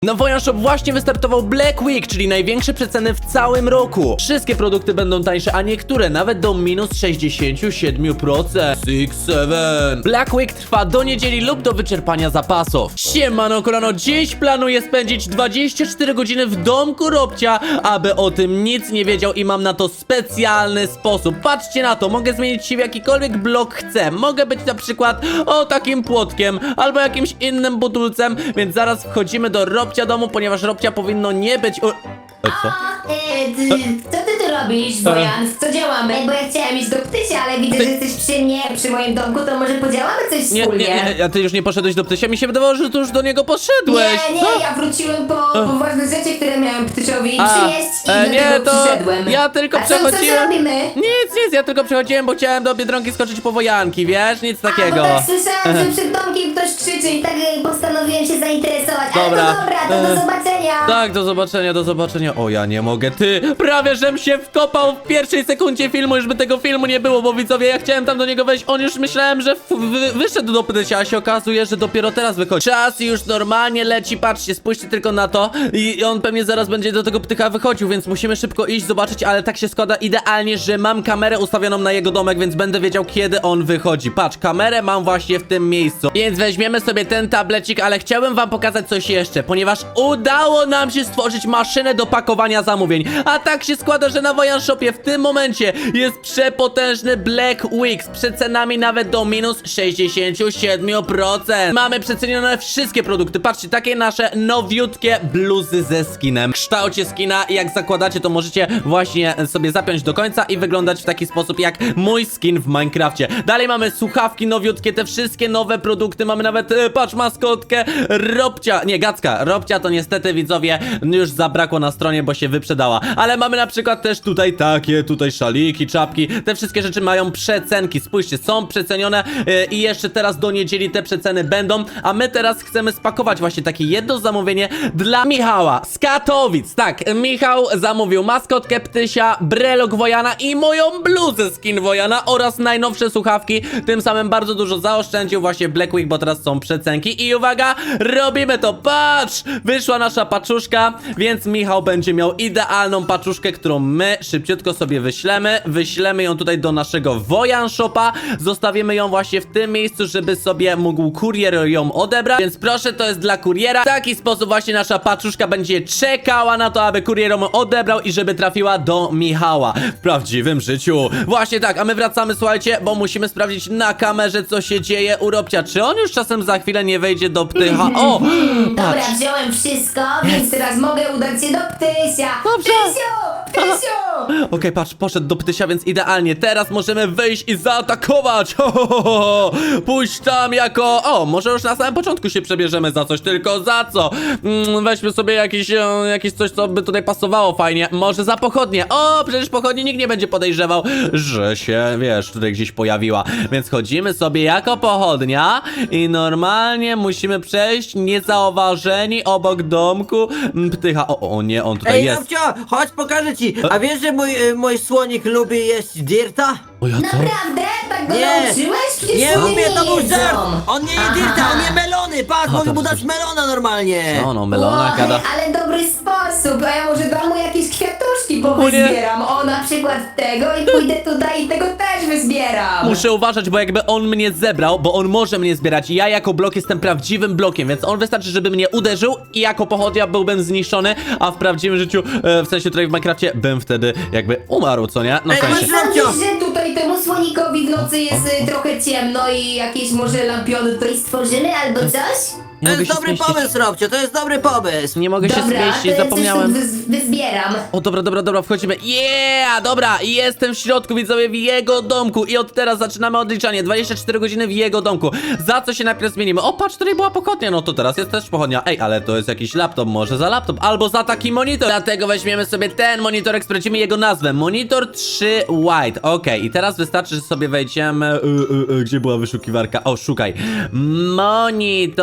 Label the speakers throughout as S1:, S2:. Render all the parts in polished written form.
S1: Na Wojan Shop właśnie wystartował Black Week, czyli największe przeceny w całym roku. Wszystkie produkty będą tańsze, a niektóre nawet do minus 67%. 6-7. Black Week trwa do niedzieli lub do wyczerpania zapasów. Siemano kolano, dziś planuję spędzić 24 godziny w domku Robcia, aby o tym nic nie wiedział i mam na to specjalny sposób. Patrzcie na to, mogę zmienić się w jakikolwiek blok chcę. Mogę być na przykład takim płotkiem, albo jakimś innym budulcem, więc zaraz wchodzimy do Robcia domu, ponieważ Robcia powinno nie być... Co?
S2: Co ty tu robisz, Wojan? W co działamy? Bo ja chciałem iść do Ptysia, ale widzę, że jesteś przy mnie, przy moim domku, to może podziałamy coś wspólnie?
S1: A ty już nie poszedłeś do Ptysia? Mi się wydawało, że ty już do niego poszedłeś.
S2: Nie, ja wróciłem po ważne rzeczy, które miałem Ptysiowi przynieść i do tego przyszedłem.
S1: ja tylko
S2: A
S1: przechodziłem.
S2: co robimy?
S1: Nic, ja tylko przechodziłem, bo chciałem do Biedronki skoczyć po wojanki, wiesz? Nic takiego.
S2: Bo tak słyszałem, że przed domkiem ktoś krzyczy i tak postanowiłem się zainteresować.
S1: Dobra.
S2: Ale to dobra, to do zobaczenia.
S1: Tak, do zobaczenia. O, ja nie mogę, ty! Prawie żem się wkopał w pierwszej sekundzie filmu, już by tego filmu nie było, bo widzowie, ja chciałem tam do niego wejść, on już myślałem, że wyszedł do Ptysia, a się okazuje, że dopiero teraz wychodzi. Czas już normalnie leci, patrzcie, spójrzcie tylko na to i on pewnie zaraz będzie do tego Ptycha wychodził, więc musimy szybko iść, zobaczyć, ale tak się składa idealnie, że mam kamerę ustawioną na jego domek, więc będę wiedział, kiedy on wychodzi. Patrz, kamerę mam właśnie w tym miejscu, więc weźmiemy sobie ten tablecik, ale chciałbym wam pokazać coś jeszcze, ponieważ udało nam się stworzyć maszynę do pakowania zamówień, a tak się składa, że na Wojan Shopie w tym momencie jest przepotężny Black Week z przecenami nawet do minus 67%. Mamy przecenione wszystkie produkty, patrzcie, takie nasze nowiutkie bluzy ze skinem, w kształcie skina i jak zakładacie, to możecie właśnie sobie zapiąć do końca i wyglądać w taki sposób jak mój skin w Minecrafcie. Dalej mamy słuchawki nowiutkie, te wszystkie nowe produkty, mamy nawet, patrz, maskotkę Robcia, nie, Gacka, Robcia to niestety, widzowie, już zabrakło na stronie, bo się wyprzedała, ale mamy na przykład też tutaj takie, szaliki, czapki, te wszystkie rzeczy mają przecenki, spójrzcie, są przecenione i jeszcze teraz do niedzieli te przeceny będą, a my teraz chcemy spakować właśnie takie jedno zamówienie dla Michała z Katowic. Tak, Michał zamówił maskotkę Ptysia, brelok Wojana i moją bluzę skin Wojana oraz najnowsze słuchawki, tym samym bardzo dużo zaoszczędził właśnie Black Week, bo teraz są przecenki i uwaga, robimy to, patrz, wyszła nasza paczuszka, więc Michał będzie miał idealną paczuszkę, którą my szybciutko sobie wyślemy ją tutaj do naszego Wojan Shopa, zostawimy ją właśnie w tym miejscu, żeby sobie mógł kurier ją odebrać, więc proszę, to jest dla kuriera. W taki sposób właśnie nasza paczuszka będzie czekała na to, aby kurier ją odebrał i żeby trafiła do Michała w prawdziwym życiu. Właśnie tak, a my wracamy, słuchajcie, bo musimy sprawdzić na kamerze, co się dzieje u Robcia. Czy on już czasem za chwilę nie wejdzie do Ptycha? O!
S2: Dobra,
S1: Patrz.
S2: wziąłem wszystko, więc teraz mogę udać się do Ptysia.
S1: Dobrze.
S2: Ptysiu!
S1: Okej, patrz, poszedł do Ptysia, więc idealnie. Teraz możemy wyjść i zaatakować. Pójść tam jako... O, może już na samym początku się przebierzemy za coś, tylko za co? Weźmy sobie jakieś coś, co by tutaj pasowało fajnie. Może za pochodnie. O, przecież pochodnie nikt nie będzie podejrzewał, że się, wiesz, tutaj gdzieś pojawiła. Więc chodzimy sobie jako pochodnia i normalnie musimy przejść niezauważeni obok domku Ptycha. O nie, on tutaj
S3: Ej,
S1: jest.
S3: Robcio, chodź pokażę ci. A wiesz, że mój słonik lubi jeść dirta?
S1: O ja co?
S2: Naprawdę? Tak go
S3: Nie.
S2: nauczyłeś? Przecież
S3: Nie
S2: oni
S3: lubię, to był
S2: jedzą.
S3: żart! On nie je dirta, on je melony! Patrz, mogę mu dać melona normalnie!
S1: No, melona gada.
S2: Ale dobry sposób, a ja może dam mu jakieś kwiatuszki
S1: nie.
S2: powyzbieram. O, na przykład tego i pójdę tutaj i tego też wyzbieram.
S1: Muszę uważać, bo jakby on mnie zebrał, bo on może mnie zbierać. Ja jako blok jestem prawdziwym blokiem, więc on wystarczy, żeby mnie uderzył i jako pochodnia byłbym zniszczony, a w prawdziwym życiu, w sensie tutaj w Minecrafcie, bym wtedy jakby umarł, co nie? No w
S3: Ej,
S1: sensie.
S3: masz Robcio.
S2: Sądzisz, że tutaj temu słonikowi w nocy jest trochę ciemno i jakieś może lampiony tutaj stworzymy albo coś?
S1: Nie
S3: To
S1: mogę
S3: jest
S1: się
S3: dobry
S1: zmieścić.
S3: pomysł, Robcio, to jest dobry pomysł!
S1: Nie mogę się
S2: Dobra, to
S1: zmieścić,
S2: ja
S1: zapomniałem.
S2: coś tu wyzbieram.
S1: O, dobra, wchodzimy. Yeah, dobra, jestem w środku, widzowie, w jego domku i od teraz zaczynamy odliczanie. 24 godziny w jego domku. Za co się najpierw zmienimy? O, patrz, tutaj była pochodnia, no to teraz jest też pochodnia. Ej, ale to jest jakiś laptop, może za laptop, albo za taki monitor. Dlatego weźmiemy sobie ten monitorek, sprawdzimy jego nazwę. Monitor 3 White, okej. I teraz wystarczy, że sobie wejdziemy... Gdzie była wyszukiwarka? O, szukaj. Monitor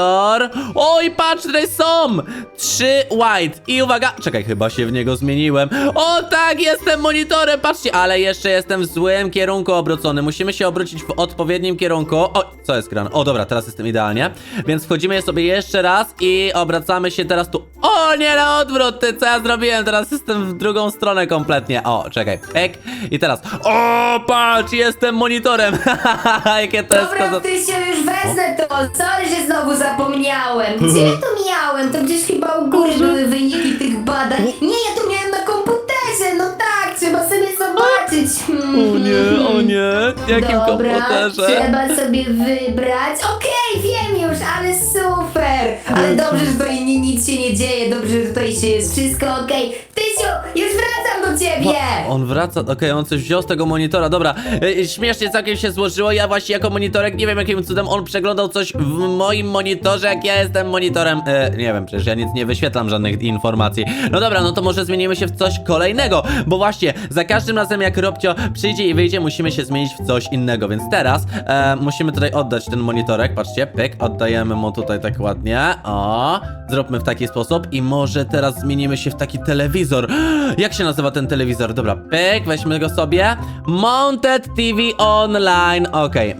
S1: monitor. Oj, patrz, tutaj są 3 white. I uwaga, czekaj, chyba się w niego zmieniłem. O tak, jestem monitorem, patrzcie, ale jeszcze jestem w złym kierunku obrócony. Musimy się obrócić w odpowiednim kierunku. O, co jest grane? O, dobra, teraz jestem idealnie. Więc wchodzimy sobie jeszcze raz i obracamy się teraz tu. O, nie, na odwrót, ty, co ja zrobiłem? Teraz jestem w drugą stronę kompletnie. O, czekaj, pek. I teraz, o, patrz, jestem monitorem. Jakie to jest
S2: Dobra, Tysiu, już wezmę to. Sorry, że znowu zapomniałem. Gdzie ja to miałem? To gdzieś chyba u góry były wyniki tych badań. Nie, ja to miałem na komputerze. No tak, trzeba sobie zobaczyć.
S1: O nie, jakim
S2: Dobra,
S1: komputerze?
S2: trzeba sobie wybrać. Okej, wiem już, ale super. Ale dobrze, że tutaj nic się nie dzieje. Dobrze, że tutaj się jest wszystko okej. Tysiu, już wracam do ciebie.
S1: On wraca, okej, on coś wziął z tego monitora, dobra. Śmiesznie całkiem się złożyło, ja właśnie jako monitorek, nie wiem jakim cudem on przeglądał coś w moim monitorze, jak ja jestem monitorem. Nie wiem, przecież ja nic nie wyświetlam, żadnych informacji. No dobra, no to może zmienimy się w coś kolejnego, bo właśnie za każdym razem jak Robcio przyjdzie i wyjdzie, musimy się zmienić w coś innego, więc teraz musimy tutaj oddać ten monitorek, patrzcie, pyk, oddajemy mu tutaj tak ładnie, o, zróbmy w taki sposób i może teraz zmienimy się w taki telewizor. Jak się nazywa ten telewizor? Dobra, pyk, weźmy go sobie. Mounted TV Online, okej,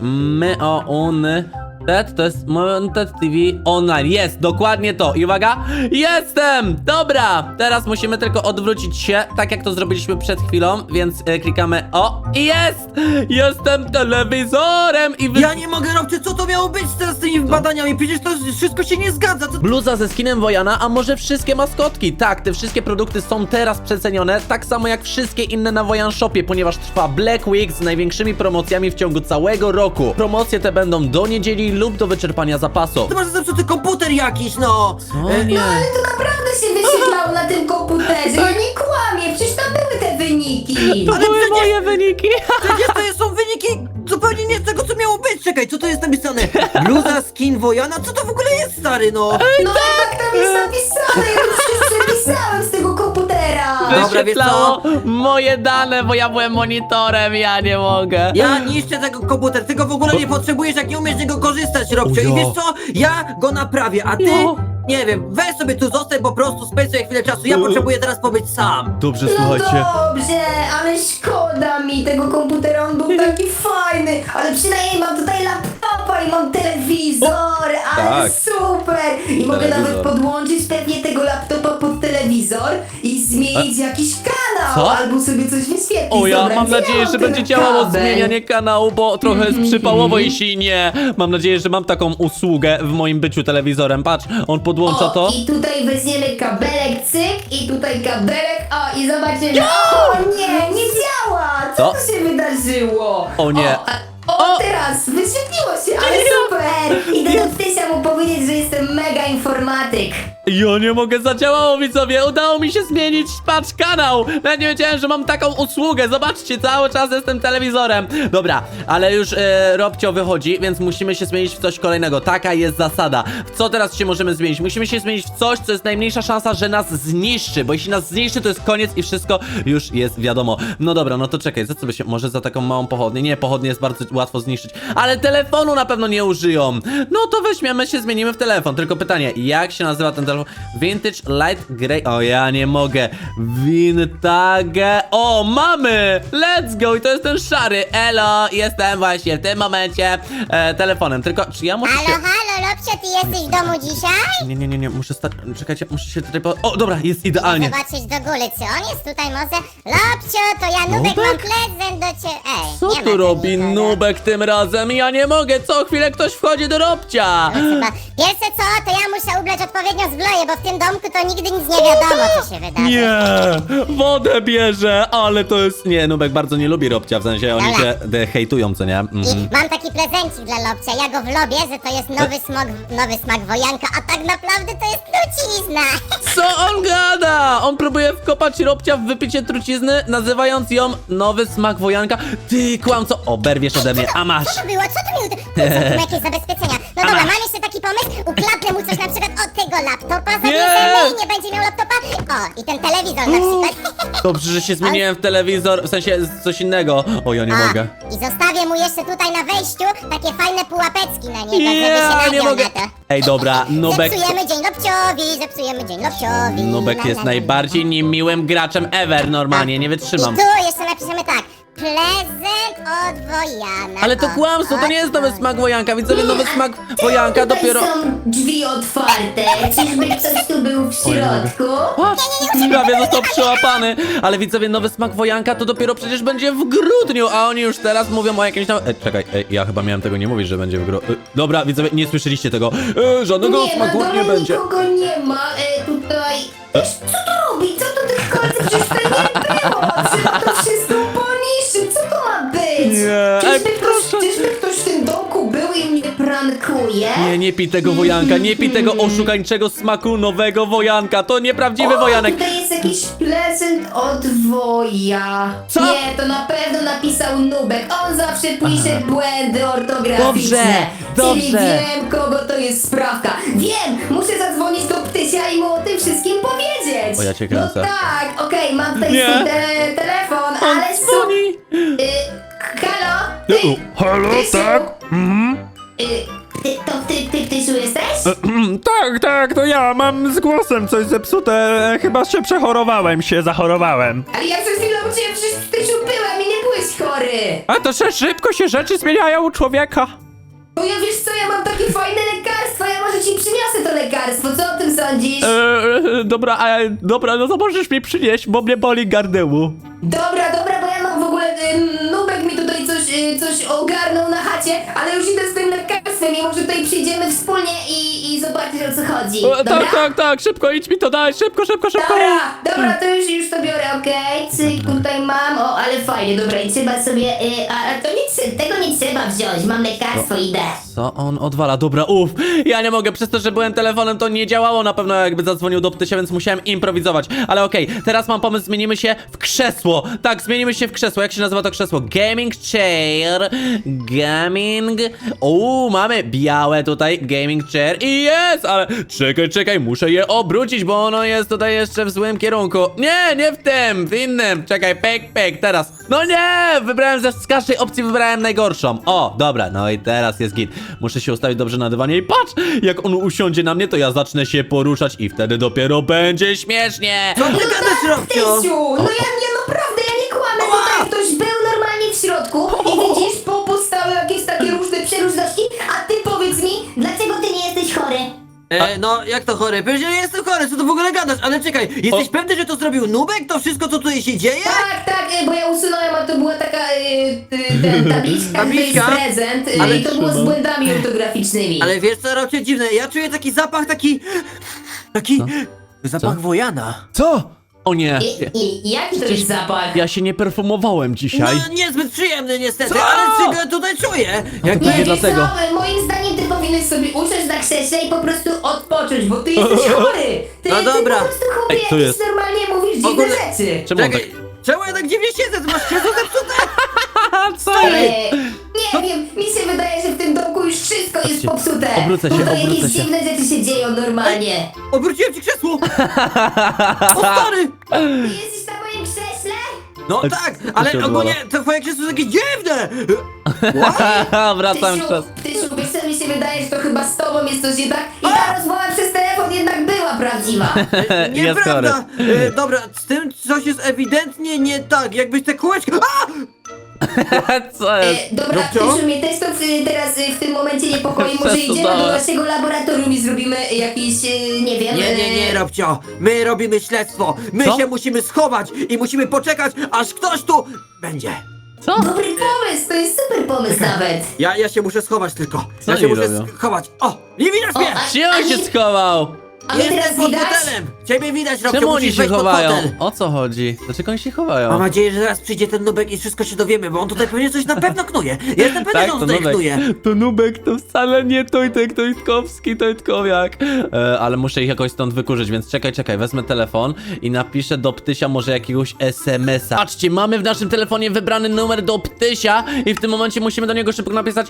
S1: to jest Mounted TV Online. Jest, dokładnie to. I uwaga, jestem! Dobra, teraz musimy tylko odwrócić się, tak jak to zrobiliśmy przed chwilą, więc klikamy o i jest! Jestem telewizorem i
S3: Ja nie mogę, Robcie, co to miało być teraz z tymi badaniami? Przecież to wszystko się nie zgadza. To...
S1: Bluza ze skinem Wojana, a może wszystkie maskotki? Tak, te wszystkie produkty są teraz przecenione, tak samo jak wszystkie inne na Wojan Shopie, ponieważ trwa Black Week z największymi promocjami w ciągu całego roku. Promocje te będą do niedzieli lub do wyczerpania zapasu.
S3: Ty masz zepsuty komputer jakiś, no!
S1: O nie.
S2: No ale to naprawdę się wyświetlało na tym komputerze. Ja nie kłamię, przecież tam były te wyniki.
S1: To
S3: Ale
S1: były
S3: przecież-
S1: moje wyniki.
S3: Przecież to są wyniki zupełnie nie z tego, co miało być. Czekaj, co to jest napisane? Bluza skin Wojana? Co to w ogóle jest, stary, no?
S2: No tak tam jest napisane, ja już wszystko przepisałem z tego komputera.
S3: Dobra, wiesz
S1: Wyświetlało moje dane, bo ja byłem monitorem, ja nie mogę.
S3: Ja niszczę tego komputer, ty go w ogóle nie potrzebujesz, jak nie umiesz z niego korzystać, Robcio.
S1: O
S3: I
S1: ja.
S3: wiesz co? Ja go naprawię, a ty...
S1: Jo.
S3: Nie wiem, weź sobie tu zostań po prostu, spędź sobie chwilę czasu, ja potrzebuję teraz pobyć sam.
S1: Dobrze,
S2: No
S1: słuchajcie.
S2: dobrze, ale szkoda mi tego komputera, on był taki fajny, ale przynajmniej mam tutaj laptopa i mam telewizor, ale
S1: tak.
S2: super! I mogę
S1: Telewizor.
S2: nawet podłączyć pewnie tego laptopa pod telewizor i zmienić jakiś kanał,
S1: Co?
S2: albo sobie coś wyświetlić.
S1: O ja
S2: Dobra,
S1: mam
S2: gdzie
S1: nadzieję,
S2: mam
S1: że
S2: ten
S1: będzie działało
S2: kabel?
S1: zmienianie kanału, bo trochę jest przypałowo, jeśli nie. Mam nadzieję, że mam taką usługę w moim byciu telewizorem. Patrz, on podłącza
S2: O,
S1: to.
S2: i tutaj weźmiemy kabelek, cyk, i tutaj kabelek, o, i zobaczymy. O nie, nie działa! Co
S1: Co?
S2: tu się wydarzyło?
S1: O nie.
S2: O, teraz wyświetliło się, ale super! Idę do Tysia mu powiedzieć, że jestem mega informatyk.
S1: Ja nie mogę, zadziałało, widzowie. Udało mi się zmienić, patrz, kanał. Nawet nie wiedziałem, że mam taką usługę. Zobaczcie, cały czas jestem telewizorem. Dobra, ale już Robcio wychodzi, więc musimy się zmienić w coś kolejnego. Taka jest zasada. W co teraz się możemy zmienić? Musimy się zmienić w coś, co jest najmniejsza szansa, że nas zniszczy. Bo jeśli nas zniszczy, to jest koniec i wszystko już jest wiadomo. No dobra, no to czekaj, za co by się... Może za taką małą pochodnię? Nie, pochodnie jest bardzo łatwo zniszczyć. Ale telefonu na pewno nie użyją. No to weźmiemy się, zmienimy w telefon. Tylko pytanie, jak się nazywa ten telefon? Vintage Light Grey. O, ja nie mogę. Vintage. O, mamy! Let's go! I to jest ten szary. Elo, jestem właśnie w tym momencie telefonem. Tylko, czy ja muszę się...
S4: Halo, Lopcio, ty jesteś w domu dzisiaj?
S1: Nie, muszę stać... Czekajcie, muszę się tutaj... O, dobra, jest idealnie.
S4: Zobaczyć do góry, czy on jest tutaj może? Lopcio, to ja Nubek mam prezent do ciebie. Ej,
S1: Co
S4: nie ma
S1: tu robi
S4: nikogo.
S1: Nubek tym razem? Ja nie mogę, co chwilę ktoś wchodzi do Robcia.
S4: Chyba. Pierwsze co, to ja muszę ubrać odpowiednio zbroję, bo w tym domku to nigdy nic nie wiadomo, co się wydarzy.
S1: Nie, wodę bierze, ale to jest... Nie, Nubek bardzo nie lubi Robcia, w sensie oni
S4: Dobra.
S1: się hejtują, co nie? Mhm.
S4: I mam taki prezencik dla Lopcia, ja go wlobię, że to jest nowy smak wojanka, a tak naprawdę to jest trucizna.
S1: Co on gada? On próbuje wkopać Robcia w wypicie trucizny, nazywając ją nowy smak wojanka. Ty, kłamco, oberwiesz ode mnie, a masz.
S4: Co to było? Co to mi... Co tu jakieś zabezpieczenia? No dobra, mam jeszcze taki pomysł, ukradnę mu coś na przykład od tego laptopa, zabierzemy i nie będzie miał laptopa, O, i ten telewizor na przykład.
S1: Dobrze, że się zmieniłem w telewizor, w sensie coś innego. O, ja nie mogę.
S4: I zostawię mu jeszcze tutaj na wejściu takie fajne pułapeczki na niego, żeby
S1: Ja
S4: się
S1: nie
S4: nagiął
S1: mogę.
S4: na to.
S1: Ej, dobra, Nubek.
S4: Zepsujemy dzień Lobciowi, zepsujemy dzień Lobciowi.
S1: Nubek jest najbardziej niemiłym graczem ever, normalnie, nie
S4: I
S1: wytrzymam.
S4: tu jeszcze napiszemy tak. Prezent od Wojana.
S1: Ale to
S4: O,
S1: kłamstwo, to nie jest nowy smak wojanka, widzowie, nowy smak wojanka
S2: Tutaj
S1: dopiero...
S2: są drzwi otwarte. Czyżby ktoś tu był w środku?
S1: Patrz, prawie został przyłapany. Ale widzowie, nowy smak wojanka to dopiero przecież będzie w grudniu, a oni już teraz mówią o jakimś tam... czekaj, ja chyba miałem tego nie mówić, że będzie w grudniu. Dobra, widzowie, nie słyszeliście tego. Żadnego
S2: Nie,
S1: smaku
S2: na
S1: nie
S2: dole
S1: będzie.
S2: nikogo nie ma. Tutaj... Co to robi? Co to tych kolcy? Przecież to nie było. Trzeba to wszystko poniszczyć. Co to ma być?
S1: Nie, ej, proszę.
S2: Czyżby ktoś w tym domku był i mnie prankuje?
S1: Nie pij tego wojanka, nie pij tego oszukańczego smaku nowego wojanka. To nieprawdziwy wojanek.
S2: Tutaj jest jakiś prezent od Woja.
S1: Co?
S2: Nie, to na pewno napisał Nubek. On zawsze pisze błędy ortograficzne.
S1: Dobrze,
S2: Czyli
S1: dobrze.
S2: wiem, kogo to jest sprawka. Wiem, muszę zadzwonić do Ptysia i mu o tym wszystkim powiedzieć.
S1: O, ja cię kręcę.
S2: No tak, okej, mam tutaj
S1: Nie.
S2: swój telefon,
S1: On
S2: ale
S1: dzwoni.
S2: Halo? Ty,
S5: Halo,
S2: Ptysiu?
S5: tak?
S2: Ty, Ptysiu jesteś?
S5: Tak, to ja mam z głosem coś zepsute. Chyba się zachorowałem.
S2: Ale ja przed chwilą u ciebie przecież Ptysiu byłem i nie byłeś chory.
S5: A to że szybko się rzeczy zmieniają u człowieka.
S2: No ja wiesz co, ja mam takie fajne lekarstwo, ja może ci przyniosę to lekarstwo, co o tym sądzisz?
S5: Dobra, no to możesz mi przynieść, bo mnie boli gardełu.
S2: Dobra, bo ja mam w ogóle, Nubek mi tutaj coś ogarnął na chacie, ale już idę z tym lekarstwem i może tutaj przyjdziemy wspólnie i zobaczysz o co chodzi, dobra?
S5: Tak, szybko, idź mi to daj, szybko.
S2: Dobra, to już to biorę, okej, cyk, tutaj mam, o, ale fajnie, dobra, i trzeba sobie, a to tego nie trzeba wziąć, mam lekarstwo, idę.
S1: Co on odwala? Dobra, ja nie mogę, przez to, że byłem telefonem, to nie działało na pewno, jakby zadzwonił do Ptysia, więc musiałem improwizować. Ale okej, teraz mam pomysł, zmienimy się w krzesło. Tak, zmienimy się w krzesło. Jak się nazywa to krzesło? Gaming chair. Gaming. Mamy białe tutaj, gaming chair. I jest, ale czekaj, muszę je obrócić, bo ono jest tutaj jeszcze w złym kierunku. Nie w tym, w innym. Czekaj, pek, teraz. No nie, wybrałem z każdej opcji, wybrałem najgorszą. O, dobra, no i teraz jest git. Muszę się ustawić dobrze na dywanie i patrz, jak on usiądzie na mnie, to ja zacznę się poruszać i wtedy dopiero będzie śmiesznie.
S3: Co ty gadasz, Robcio?
S2: Ptysiu, no ja naprawdę, ja nie kłamę, tutaj ktoś był normalnie w środku i widzisz, postały jakieś takie różne przeróżności, a ty powiedz mi, dlaczego ty nie jesteś chory?
S3: No, jak to chory? Przecież ja nie jestem chory, co ty w ogóle gadasz? Ale czekaj, jesteś pewny, że to zrobił Nubek? To wszystko, co tutaj się dzieje?
S2: Tak, bo ja usunąłem, a to była taka tabliczka, to jest
S3: Tabliczka?
S2: prezent
S3: Ale
S2: i to było z błędami ortograficznymi.
S3: Ale wiesz co, Robcio, dziwne, ja czuję taki zapach, taki... Zapach Wojana.
S1: Co? O nie.
S2: I jaki to jest zapach?
S1: Ja się nie perfumowałem dzisiaj.
S3: No, niezbyt przyjemny niestety, ale czego tutaj czuję? Jak
S1: Nie,
S2: wiesz
S1: dlatego.
S2: co, moim zdaniem ty powinieneś sobie usiąść na krześle i po prostu odpocząć, bo ty jesteś chory! Ty,
S3: No dobra.
S2: Ty po prostu chłopie
S1: Ej, co
S2: jakieś
S1: jest?
S2: normalnie mówisz dziwne
S3: ogóle-
S2: rzeczy.
S1: Czemu on tak...
S3: Czekaj, czemu ja tak dziwnie siedzę? Ty masz krzesło zepsute?
S1: Co?
S2: Nie wiem, mi się wydaje, że w tym domku już wszystko jest
S1: Patrzcie,
S2: popsute.
S1: obrócę się,
S2: Tutaj
S1: obrócę
S2: jakieś
S1: się.
S2: dziwne rzeczy się dzieją normalnie.
S3: Obróciłem ci krzesło! O stary!
S2: Ty jesteś na moim krześle?
S3: No
S1: Ej,
S3: tak,
S1: co
S3: ale
S1: się
S3: ogólnie
S1: odwala?
S3: to twoje krzesło jest jakieś dziwne!
S1: Wracam przez...
S2: Tysiu, wiesz co mi się wydaje, że to chyba z tobą jest coś nie tak i ta rozmowa przez telefon jednak była prawdziwa.
S3: Nieprawda! Dobra, z tym coś jest ewidentnie nie tak, jakbyś te kółeczka... A!
S1: Co jest?
S2: Dobra,
S3: Robcio?
S2: Tysiu, mnie też to teraz w tym momencie niepokoi. Może idziemy do
S1: Przesadałem.
S2: naszego laboratorium i zrobimy jakiś, nie wiem...
S3: Nie, Robcio, my robimy śledztwo, my
S1: Co?
S3: się musimy schować i musimy poczekać, aż ktoś tu będzie.
S1: Co?
S2: Dobry pomysł, to jest super pomysł nawet.
S3: Ja się muszę schować tylko,
S1: Co
S3: ja się
S1: oni
S3: muszę
S1: robią?
S3: schować. O, nie widać mnie!
S1: Gdzie on się schował?
S2: A mnie
S3: Jestem
S2: teraz
S3: pod
S2: widać?
S3: fotelem! Ciebie widać, Robcio,
S1: Czemu oni
S3: musisz
S1: się
S3: wejść pod
S1: chowają?
S3: fotel.
S1: O co chodzi? Dlaczego oni się chowają?
S3: Mam nadzieję, że zaraz przyjdzie ten Nubek i wszystko się dowiemy, bo on tutaj pewnie coś na pewno knuje. Ja jestem pewny, że on tutaj knuje.
S1: To Nubek, to wcale nie Tojtkowiak. Ale muszę ich jakoś stąd wykurzyć, więc czekaj, wezmę telefon i napiszę do Ptysia może jakiegoś SMS-a. Patrzcie, mamy w naszym telefonie wybrany numer do Ptysia i w tym momencie musimy do niego szybko napisać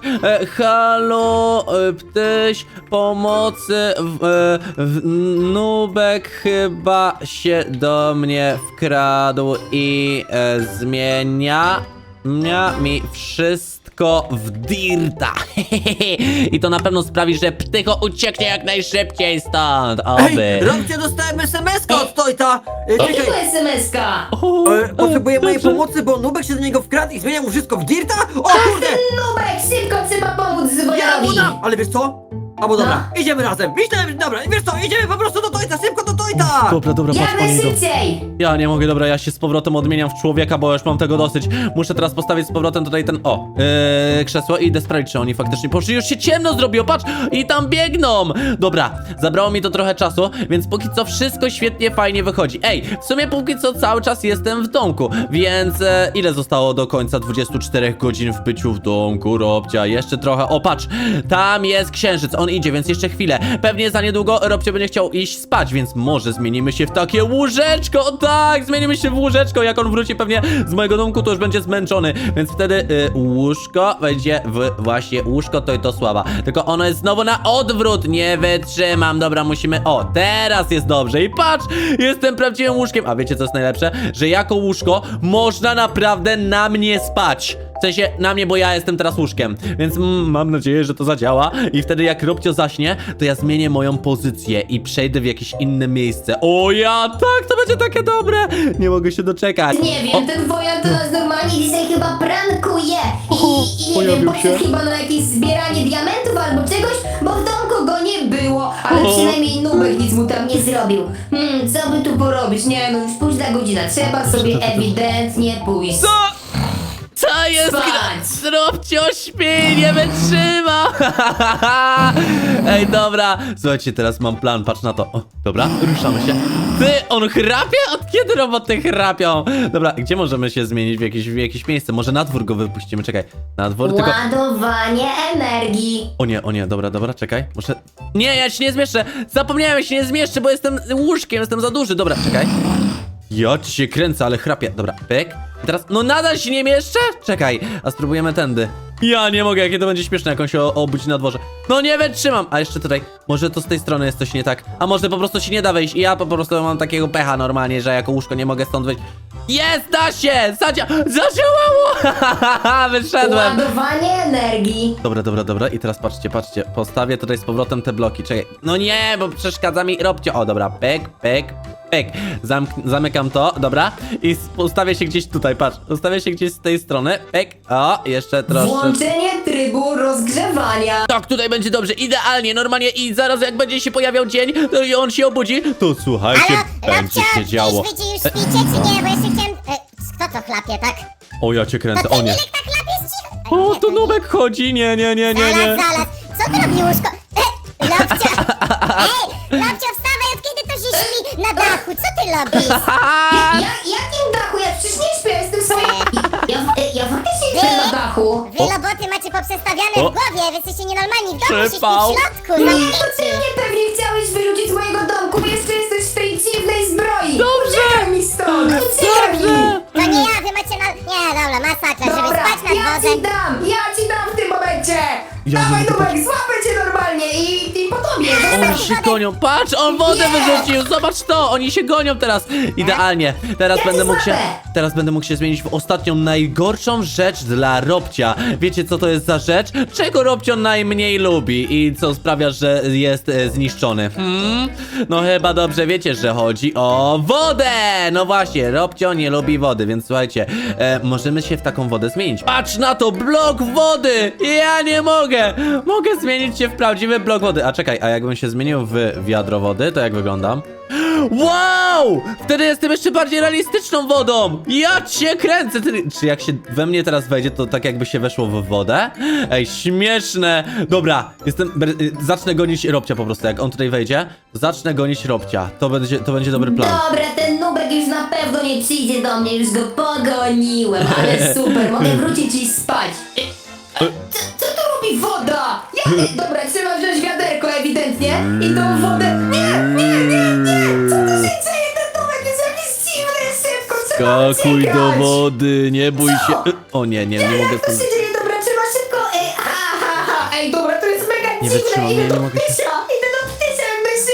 S1: halo, Ptyś, pomocy, Nubek chyba się do mnie wkradł i zmienia mi wszystko w dirta. I to na pewno sprawi, że Ptycho ucieknie jak najszybciej stąd. Oby.
S3: Ej, Robcie, dostałem SMS-kę od Tojta!
S2: Jakiego
S3: Czekaj,
S2: SMS-ka?
S3: potrzebuję mojej pomocy, bo Nubek się do niego wkradł i zmienia mu wszystko w dirta? O kurde!
S2: Nubek, szybko trzeba pomóc
S3: Ja mu
S2: Wojarowi.
S3: dam! Ale wiesz co? Albo dobra, idziemy razem. Myślałem, dobra, wiesz co, idziemy po prostu do Tojta, szybko do Tojta!
S1: Dobra,
S2: Jak
S1: patrz, oni idą.
S2: najszybciej.
S1: Ja nie mogę, dobra, ja się z powrotem odmieniam w człowieka, bo już mam tego dosyć. Muszę teraz postawić z powrotem tutaj ten, krzesło i idę sprawdzić, czy oni faktycznie poszli. Już się ciemno zrobiło, patrz! I tam biegną! Dobra, zabrało mi to trochę czasu, więc póki co wszystko świetnie, fajnie wychodzi. Ej, w sumie póki co cały czas jestem w domku, więc ile zostało do końca 24 godzin w byciu w domku, Robcia? Jeszcze trochę, o patrz, tam jest księżyc, on idzie, więc jeszcze chwilę. Pewnie za niedługo Robcia będzie chciał iść spać, więc może zmienimy się w takie łóżeczko, tak, zmienimy się w łóżeczko, jak on wróci pewnie z mojego domku, to już będzie zmęczony, więc wtedy łóżko będzie właśnie łóżko to sława, tylko ono jest znowu na odwrót, nie wytrzymam, dobra, musimy, o, teraz jest dobrze i patrz, jestem prawdziwym łóżkiem, a wiecie co jest najlepsze? Że jako łóżko można naprawdę na mnie spać. W sensie na mnie, bo ja jestem teraz łóżkiem. Więc mam nadzieję, że to zadziała. I wtedy jak Robcio zaśnie, to ja zmienię moją pozycję i przejdę w jakieś inne miejsce. O ja, tak, to będzie takie dobre. Nie mogę się doczekać.
S2: Nie wiem, ten Wojan to nas normalnie dzisiaj chyba prankuje. I nie
S1: pojawił
S2: wiem, poszedł
S1: się.
S2: chyba na jakieś zbieranie diamentów albo czegoś, bo w domku go nie było. Ale
S1: O.
S2: przynajmniej Nubek nic mu tam nie zrobił. Co by tu porobić? Nie no, już późna godzina. Trzeba sobie ewidentnie pójść.
S1: Co jest?
S2: Spać.
S1: Robcio śpi, nie wytrzyma. Ej, dobra. Słuchajcie, teraz mam plan, patrz na to. O, dobra, ruszamy się. Ty, on chrapie? Od kiedy roboty chrapią? Dobra, gdzie możemy się zmienić w jakieś miejsce? Może na dwór go wypuścimy, czekaj. Na dwór, tylko...
S2: Ładowanie energii.
S1: O nie, dobra, czekaj. Muszę... Nie, ja się nie zmieszczę. Zapomniałem, ja się nie zmieszczę, bo jestem łóżkiem, jestem za duży. Dobra, czekaj. Ja ci się kręcę, ale chrapię. Dobra, pyk. I teraz, no nadal się nie mieszczę? Czekaj, a spróbujemy tędy. Ja nie mogę, jakie to będzie śmieszne, jak on się obudzi na dworze. No nie wytrzymam. A jeszcze tutaj, może to z tej strony jest coś nie tak. A może po prostu się nie da wejść i ja po prostu mam takiego pecha normalnie, że jako łóżko nie mogę stąd wyjść. Jest, da się! Zadziałało! Wyszedłem.
S2: Ładowanie energii.
S1: Dobra. I teraz patrzcie. Postawię tutaj z powrotem te bloki. Czekaj. No nie, bo przeszkadza mi Robcio. O, dobra. Pyk. Zamykam to, dobra. I ustawię się gdzieś tutaj, patrz. Ustawię się gdzieś z tej strony. Pyk. O, jeszcze troszkę.
S2: Włączenie trybu rozgrzewania.
S1: Tak, tutaj będzie dobrze, idealnie, normalnie i zaraz jak będzie się pojawiał dzień, to i on się obudzi, to słuchajcie,
S4: Halo,
S1: będzie
S4: Robcio,
S1: się działo.
S4: Już śpicie, czy nie? Bo jeszcze chciałem... kto to chlapie, tak?
S1: O, ja cię kręcę,
S4: To
S1: o
S4: ty,
S1: nie.
S4: Milek, tak chlapiesz cicho?
S1: O, to Nubek chodzi, nie.
S4: Zaraz. Co to robi łóżko? Lobcio! Ej, Lobcio, wstawaj, od kiedy to się śpi na dachu? Co ty robisz?
S2: Jakim dachu? Ja przecież nie śpię, jestem swoim... Ja faktycznie śpię na dachu.
S4: Wy roboty macie poprzestawiane
S1: O.
S4: w głowie, wy jesteście nienormalni, w domu się śpi
S1: Przypał.
S4: w środku,
S2: Nie, to ty
S4: zamknięci.
S2: mnie pewnie chciałeś wyrzucić z mojego domku, bo jeszcze jesteś w tej dziwnej zbroi.
S1: Dobrze.
S2: Uciekaj mi stąd, uciekaj mi.
S4: To nie ja, wy macie na... Nie, dobra, masakra, żeby
S2: Dobra,
S4: spać nad
S2: ja
S4: wodę.
S2: ci dam w tym momencie.
S1: Ja
S2: Dawaj,
S1: nie mogę
S2: Nubek, złapę cię normalnie i po tobie.
S1: Oni się gonią, patrz, on wodę wyrzucił, zobacz to, oni się gonią teraz. Idealnie, teraz
S2: Ja
S1: będę
S2: cię
S1: mógł się,
S2: złapę.
S1: teraz będę mógł się zmienić w ostatnią, najgorszą rzecz dla Robcia. Wiecie co to jest za rzecz? Czego Robcio najmniej lubi i co sprawia, że jest zniszczony? No chyba dobrze wiecie, że chodzi o wodę. No właśnie, Robcio nie lubi wody, więc słuchajcie, możemy się w taką wodę zmienić. Patrz na to, blok wody! Ja nie mogę! Mogę zmienić się w prawdziwy blok wody. A czekaj, a jakbym się zmienił w wiadro wody, to jak wyglądam? Wow! Wtedy jestem jeszcze bardziej realistyczną wodą! Ja cię kręcę! Czy jak się we mnie teraz wejdzie, to tak jakby się weszło w wodę? Ej, śmieszne! Dobra, zacznę gonić Robcia po prostu. Jak on tutaj wejdzie, zacznę gonić Robcia. To będzie dobry plan.
S2: Dobra, ten Nubek już na pewno nie przyjdzie do mnie, już go pogoniłem, ale super, mogę wrócić i spać. Co tu robi woda? Dobra, trzeba wziąć wiaderko ewidentnie i tą wodę... Nie! Co tu się dzieje? Ten Nubek jest jakiś dziwny, szybko, trzeba
S1: Skakuj do
S2: uciekać.
S1: wody, nie bój się. O nie mogę
S2: Jak to
S1: stąd.
S2: się dzieje? Dobra, trzeba szybko... Ej, dobra, to jest mega
S1: Nie
S2: dziwne,
S1: wytrzymam,
S2: idę
S1: nie
S2: do
S1: mogę się-
S2: ptysia jak najszybciej.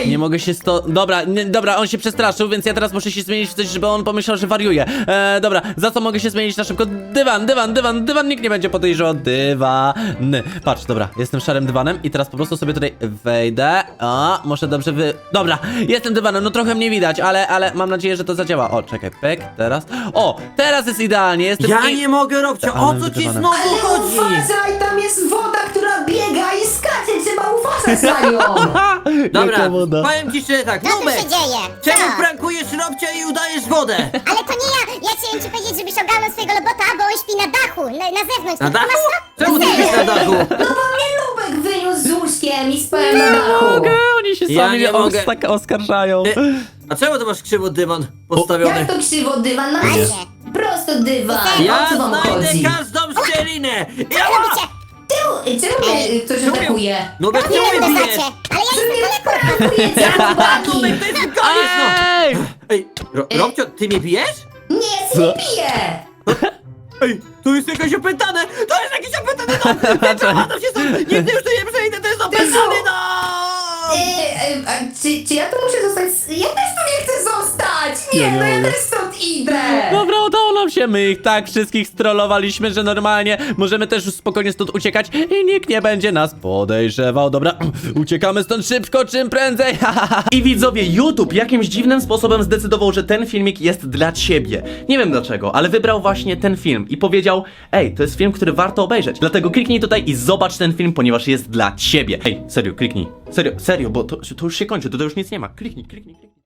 S1: Nie mogę się Dobra, on się przestraszył, więc ja teraz muszę się zmienić w coś, żeby on pomyślał, że wariuje. Dobra, za co mogę się zmienić na szybko? Dywan, nikt nie będzie podejrzewał. Dywan. Patrz, dobra, jestem szarym dywanem i teraz po prostu sobie tutaj wejdę. Muszę dobrze Dobra, jestem dywanem, no trochę mnie widać, ale mam nadzieję, że to zadziała. O, czekaj, pyk, teraz. O, teraz jest idealnie, jestem
S3: Ja nie mogę, Robcio, o co ci
S1: dywanem.
S3: znowu
S2: Ale
S3: chodzi?
S2: uważaj, tam jest woda, która biega i skacze, trzeba uważać na nią.
S3: Dobra,
S1: Jaka woda?
S3: powiem ci szczerze tak,
S4: Co tu
S3: Nubek,
S4: się dzieje?
S3: czemu
S4: Co?
S3: prankujesz Robcia i udajesz wodę?
S4: Ale to nie ja! Ja chciałem ci powiedzieć, żebyś ogarnął swojego robota, bo on śpi na dachu, na zewnątrz.
S3: Na
S4: Ty
S3: dachu?
S4: masz to?
S3: Czemu ty
S4: Serio?
S3: śpisz na dachu?
S2: No bo mnie Lubek wyniósł z łóżkiem i spałem na dachu.
S1: Mogę, oni się
S3: Ja
S1: sami
S3: nie mogę.
S1: oskarżają.
S3: A czemu ty masz krzywo dywan postawiony?
S2: Jak to krzywo dywan? Masz
S4: Właśnie.
S2: prosto dywan.
S3: Ja
S2: O co wam
S3: znajdę
S2: chodzi?
S3: każdą szczelinę! Ja
S4: Robicie?
S2: Czemu mnie ktoś atakuje?
S3: Nubek,
S4: Nie
S3: czemu
S4: wiem,
S3: mnie
S4: to
S3: bijesz?
S4: znacie. Ale ja
S2: Czemu
S4: jestem
S2: mnie
S4: daleko.
S2: atakujecie, chłopaki?
S3: Nubek, to jest koniec, no!
S1: Ej!
S3: Ej, Robcio, ty mnie bijesz?
S2: Nie, nie piję.
S3: Ej, to jest jakieś opętane! To jest jakieś opętane dom! Wyprowadzam się stąd! Nigdy już tu nie przejdę, to jest opętany dom!
S2: A czy ja tu muszę zostać? Ja też tu nie chcę zostać! Nie, no ja też stąd idę!
S1: Dobra, udało nam się, my ich tak wszystkich strollowaliśmy, że normalnie możemy też już spokojnie stąd uciekać i nikt nie będzie nas podejrzewał. Dobra, uciekamy stąd szybko, czym prędzej. I widzowie, YouTube jakimś dziwnym sposobem zdecydował, że ten filmik jest dla ciebie. Nie wiem dlaczego, ale wybrał właśnie ten film i powiedział: ej, to jest film, który warto obejrzeć. Dlatego kliknij tutaj i zobacz ten film, ponieważ jest dla ciebie. Ej, serio, kliknij. Serio, bo to już się kończy, to już nic nie ma. Kliknij.